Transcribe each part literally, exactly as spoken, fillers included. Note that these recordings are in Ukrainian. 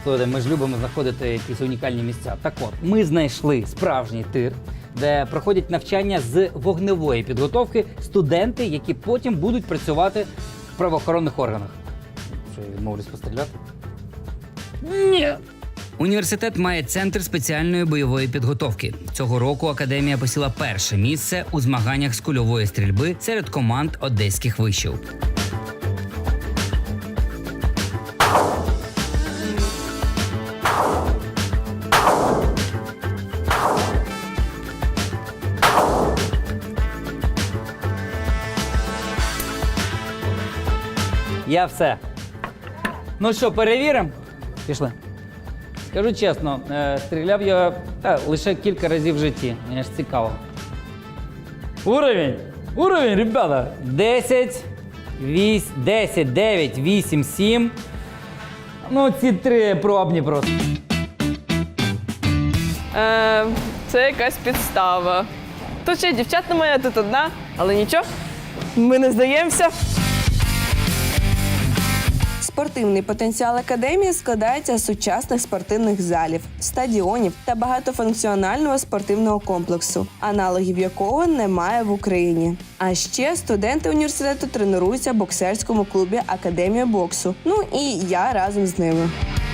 Слухайте, ми ж любимо знаходити якісь унікальні місця. Так от, ми знайшли справжній тир, де проходять навчання з вогневої підготовки студенти, які потім будуть працювати в правоохоронних органах. Що, я відмовлюсь постріляти? Ні. Університет має центр спеціальної бойової підготовки. Цього року академія посіла перше місце у змаганнях з кульової стрільби серед команд одеських вишів. Я все. Ну що, перевіримо? Пішли. Скажу чесно, е, стріляв я та, лише кілька разів в житті. Мені ж цікаво. Уровень! Уровень, ребята! десять, вісім, десять, дев'ять, вісім, сім. Ну, ці три пробні просто. Е, це якась підстава. Тут ще дівчат немає, тут одна, але нічого, ми не здаємося. Спортивний потенціал академії складається з сучасних спортивних залів, стадіонів та багатофункціонального спортивного комплексу, аналогів якого немає в Україні. А ще студенти університету тренуються в боксерському клубі Академія боксу. Ну і я разом з ними.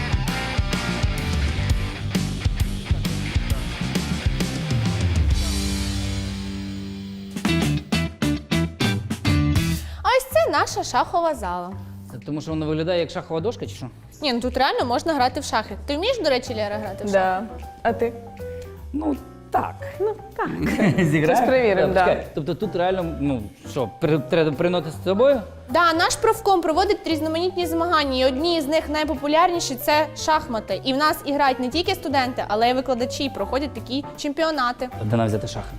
А ось це наша шахова зала. Тому що воно виглядає як шахова дошка, чи що? Ні, ну тут реально можна грати в шахи. Ти вмієш, до речі, Лера, грати в шахи? Да. А ти? Ну, так. Ну, так. Зіграємо? Щось перевіримо, Так, да. чекай, тобто тут реально, ну, що, при- треба приносити з собою? Да, наш профком проводить різноманітні змагання, і одні з них найпопулярніші – це шахмати. І в нас і грають не тільки студенти, але й викладачі, проходять такі чемпіонати. Де нам взяти шахи?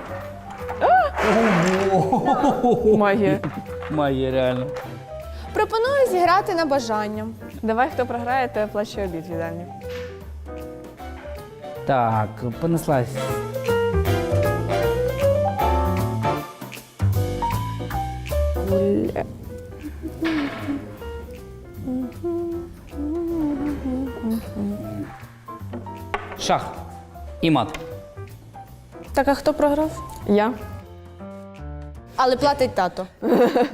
Магія. Має реально. Пропоную зіграти на бажання. Давай, хто програє, то оплачує обід в їдальні. Так, понеслась. Шах і мат. Так, а хто програв? Я. Але платить тато.